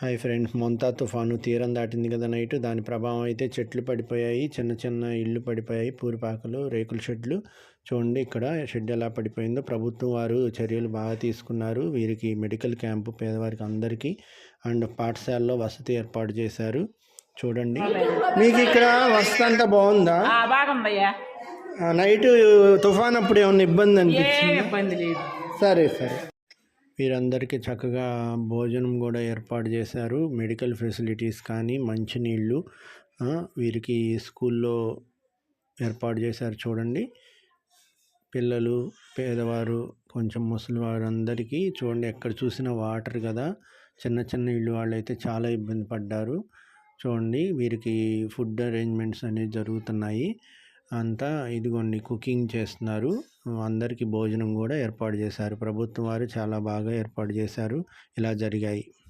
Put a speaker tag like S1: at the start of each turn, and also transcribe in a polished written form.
S1: Hi friends, Montha తుఫాను తీరం దాటింది కదా నైట్. దాని ప్రభావం అయితే చెట్లు పడిపోయాయి, చిన్న చిన్న ఇళ్ళు పడిపోయాయి, పూరిపాకలు, రేకుల షెడ్లు. చూడండి ఇక్కడ షెడ్ ఎలా పడిపోయిందో. ప్రభుత్వం వారు చర్యలు బాగా తీసుకున్నారు. వీరికి మెడికల్ క్యాంపు పేదవారికి అందరికీ అండ్ పాఠశాలలో వసతి ఏర్పాటు చేశారు. చూడండి, మీకు ఇక్కడ వసతి అంతా బాగుందా? నైట్ తుఫాన్ అప్పుడు ఏమన్నా ఇబ్బంది అనిపించింది? సరే సరే. వీరందరికీ చక్కగా భోజనం కూడా ఏర్పాటు చేశారు. మెడికల్ ఫెసిలిటీస్ కానీ మంచినీళ్ళు వీరికి స్కూల్లో ఏర్పాటు చేశారు. చూడండి, పిల్లలు, పేదవారు, కొంచెం ముసలివారు అందరికీ చూడండి ఎక్కడ చూసినా వాటర్ కదా. చిన్న చిన్న ఇళ్ళు వాళ్ళైతే చాలా ఇబ్బంది పడ్డారు. చూడండి, వీరికి ఫుడ్ అరేంజ్మెంట్స్ అనేవి జరుగుతున్నాయి. అంతా ఇదిగోండి కుకింగ్ చేస్తున్నారు. అందరికీ భోజనం కూడా ఏర్పాటు చేశారు. ప్రభుత్వం వారు చాలా బాగా ఏర్పాటు చేశారు. ఇలా జరిగాయి.